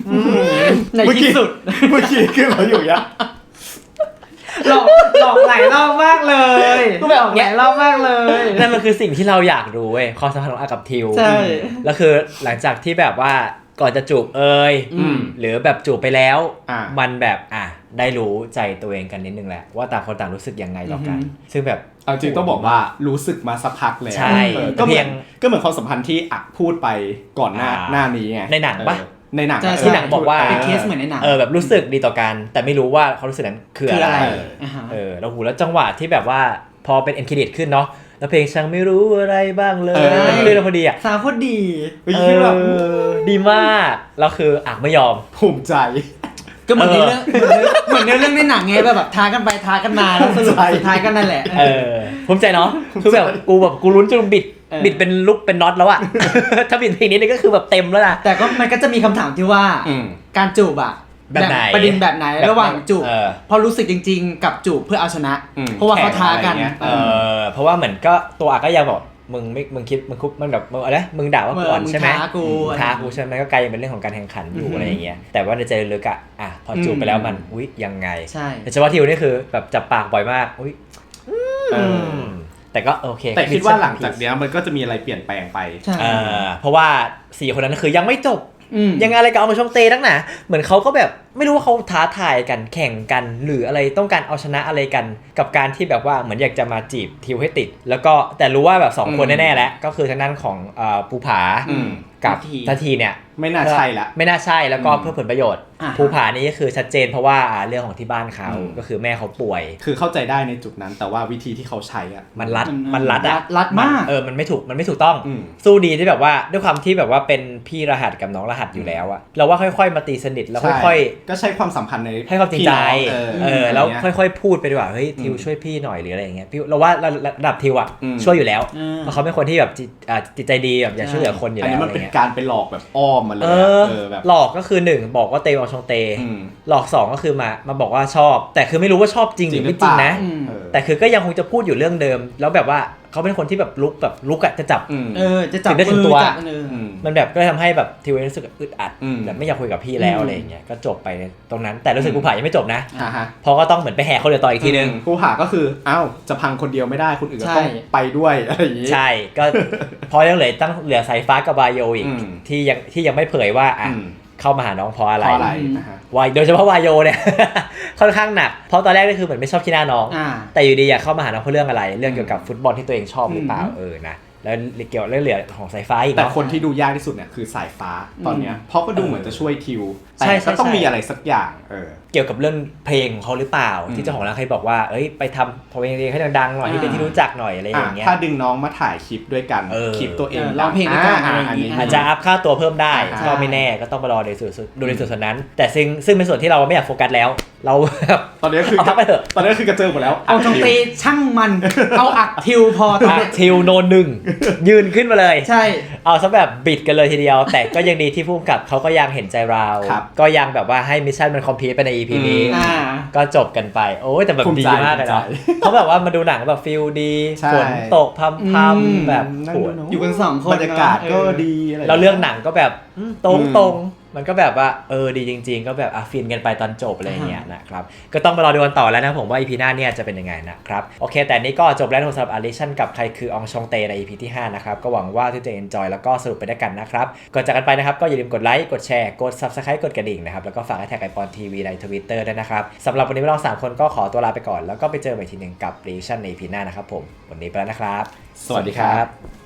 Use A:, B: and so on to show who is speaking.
A: ในที่สุด
B: เมื่อกี้คือเราอยู่ยัง
A: หลอกหลายรอบมากเลยก็แบบหลายรอบมากเลย
C: นั่นมันคือสิ่งที่เราอยากรู้เว้ยความสัมพันธ์ของอากับทิว
A: ใช่
C: แล้วคือหลังจากที่แบบว่าก่อนจะจูบหรือแบบจูบไปแล้วมันแบบได้รู้ใจตัวเองกันนิดนึงแหละว่าต่างคนต่างรู้สึกยังไงต่อกันซึ่งแบบ
B: เอาจริงต้องบอกว่ารู้สึกมาสักพักแล้ว
C: ใช่
B: ก็เหมือนความสัมพันธ์ที่พูดไปก่อนหน้านี้ไง
C: ในหนังปะ
B: ในหนัง
C: ที่หนังบอกว่า
A: เป็นเคสเหมือนในหนัง
C: แบบรู้สึกดีต่อกันแต่ไม่รู้ว่าเขารู้สึกนั้นคืออะไรแล้วจังหวะที่แบบว่าพอเป็นเอ็นเครดิตขึ้นเนาะแล้วเพลงช่างไม่รู้อะไรบ้างเลยมันขึ้นแล้วพอดี
A: สาวพอดี
C: ดีมากแล้วคือไม่ยอม
B: ภูมิใจ
A: ก็เหมือนในเรื่องในหนังไงแบบท้ากันไปท้ากันมาแล้วสรุปสุดท้ายก็นั่นแหละ
C: ภูมิใจเนาะคือแบบกูลุ้นจนบิดเป็นลุกเป็นน็อตแล้วอะถ้าบิดเพลงนี้นี่ก็คือแบบเต็มแล้วนะ
A: แต่ก็มันก็จะมีคำถามที่ว่าการจูบอะ
C: แบบไหน
A: ประเด็นแบบไหนระหว่างจูบพอรู้สึกจริงๆกับจูบเพื่อเอาชนะเพราะว่าเขาท้ากัน
C: เพราะว่าเหมือนก็ตัวก็ยังบอกมึงคิดมันแบบอะไรมึงด่าว่าก่อนใช่ไหมท้ากูใช่ไหมก็กลายเป็นเรื่องของการแข่งขันอยู่อะไรอย่างเงี้ยแต่ว่าในใจลึกอะพอจูบไปแล้วมันอุ๊ยยังไง
A: ใช่
C: แต่เฉพาะทิวนี่คือแบบจับปากบ่อยมากอุ๊ยแต่ก็โอเค
B: แต่คิดว่าหลังจากนี้มันก็จะมีอะไรเปลี่ยนแปลงไป
C: เพราะว่า4คนนั้นคือยังไม่จบยังไงอะไรกับเอามาช่องเตนักหนาเหมือนเขาก็แบบไม่รู้ว่าเขาท้าทายกันแข่งกันหรืออะไรต้องการเอาชนะอะไรกันกับการที่แบบว่าเหมือนอยากจะมาจีบทิวให้ติดแล้วก็แต่รู้ว่าแบบ2คนแน่ๆแล้วก็คือทางด้านของภูผากับทัทีเนี่ย
B: ไม่น่าใช่ละ
C: ไม่น่าใช่แล้วก็เพื่อผลประโยชน์ภูผานี่ก็คือชัดเจนเพราะว่าเรื่องของที่บ้านเขาก็คือแม่เขาป่วย
B: คือเข้าใจได้ในจุดนั้นแต่ว่าวิธีที่เขาใช้
C: มันรัด
A: มาก
C: มันไม่ถูกต้องสู้ดีที่แบบว่าด้วยความที่แบบว่าเป็นพี่รหัสกับน้องรหัสอยู่แล้วอะเราว่าค่อยๆมาตีสนิทแล้วค่อย
B: ๆก็ใช้ความสัมพันธ์ใน
C: ให้ความจริงใจแล้วค่อยๆพูดไปดีกว่าเฮ้ยทิวช่วยพี่หน่อยหรืออะไรอย่างเงี้ยพี่เราว่าระดับทิวอะช่วยอยู่แล้วเพราะเขาเป็นคนที่แบบจิตใจดีแบบอยากช่วยเหลือคนอยู่แล้ว
B: อันนี้มันเป็นการไปหลอกแบบอ้อมมาเลย
C: แบบหลอกก็คือ1บอกว่าเตเอาชงเตหลอก2ก็คือมาบอกว่าชอบแต่คือไม่รู้ว่าชอบจริงหรือไม่จริงนะแต่คือก็ยังคงจะพูดอยู่เรื่องเดิมแล้วแบบว่าเขาเป็นคนที่แบบลุกอะจะจับ
A: จะจับ
C: ได้ถึงตัวมันแบบก็ทำให้แบบทิวรู้สึกอึดอัดแบบไม่อยากคุยกับพี่แล้วอะไรอย่างเงี้ยก็จบไปตรงนั้นแต่รู้สึกภูผายังไม่จบนะเพราะก็ต้องเหมือนไปแห่คนเดียวต่ออีกทีนึง
B: ภูผาก็คือจะพังคนเดียวไม่ได้คนอื่นก็ต้องไปด้วยอะไรอย่างงี้
C: ใช่ก็พอยังเหลือสายฟ้ากับบาโยอีกที่ยังไม่เผยว่าเข้ามาหาน้องเพราะอะไรวายโดยเฉพาะวายโยเนี่ยค่อนข้างหนักเพราะตอนแรกก็คือเหมือนไม่ชอบขี้หน้าน้องแต่อยู่ดีอยากเข้ามาหาน้องเพราะเรื่องอะไรเรื่องเกี่ยวกับฟุตบอลที่ตัวเองชอบหรือเปล่านะแล้วเกี่ยวเรื่องเหลือของสายฟ้าอีก
B: แต่คนที่ดูยากที่สุดเนี่ยคือสายฟ้าตอนเนี้ยเพราะก็ดูเหมือนจะช่วยทิวแต่ก็ต้องมีอะไรสักอย่าง
C: เกี่ยวกับเรื่องเพลงของเขาหรือเปล่าที่เจ้าของร้านเคยบอกว่าเอ้ยไปทำเพลงให้ดังๆหน่อยให้เป็นที่รู้จักหน่อยอะไรอย่างเงี้ย
B: ถ้าดึงน้องมาถ่ายคลิปด้วยกันคลิปตัวเอง
A: ร้องเพลงด้วยกัน
C: อาจจะอัพค่าตัวเพิ่มได้ก็ไม่แน่ก็ต้องมารอดูในส่วนนั้นแต่ซึ่งเป็นส่วนที่เราไม่อยากโฟกัสแล้วเรา
B: ตอนนี้คือ
C: พักไปเถอะ
B: ตอนนี้คือกระเจิงหมดแล้ว
A: เอาชงเตช่างมันเอาอักทิวพอ
C: อักทิวโนน1ยืนขึ้นมาเลย
A: ใช่
C: เอาซะแบบบิดกันเลยทีเดียวแต่ก็ยังดีที่ผู้กำกับเขาก็ยังเห็นใจเราก็ยังแบบว่าให้มิชชั่นมันคอมพลีทไปใน EP นี้ก็จบกันไปโอ้ยแต่แบบดีมากเลยนะเขาแบบว่ามาดูหนังแบบฟีลดีฝนตกพรำๆแบบ
A: อยู่กัน2คน
B: บรรยากาศก็ดีอะไร
C: เราเรื่องหนังก็แบบตรงมันก็แบบว่าดีจริงๆก็แบบฟินกันไปตอนจบอะไรอย่างเงี้ยนะครับก็ต้องมารอดูกันต่อแล้วนะผมว่า EP หน้าเนี่ยจะเป็นยังไงนะครับโอเคแต่นี้ก็จบแล้วสำหรับ Addiction กับใครคืออองชองเตใน EP ที่5นะครับก็หวังว่าทุกท่านจะ enjoy แล้วก็สนุกไปด้วยกันนะครับก่อนจากกันไปนะครับก็อย่าลืมกดไลค์กดแชร์กด Subscribe กดกระดิ่งนะครับแล้วก็ฝากแท็กไอปอนทีวีใน Twitter ด้วยนะครับสำหรับวันนี้เรา3คนก็ขอตัวลาไปก่อนแล้วก็ไปเจอกันอีกทีนึงกับ Reaction ใน EP หน้านะครับผมวันนี้ไปแล้วนะครับ
B: สวัสดีครับ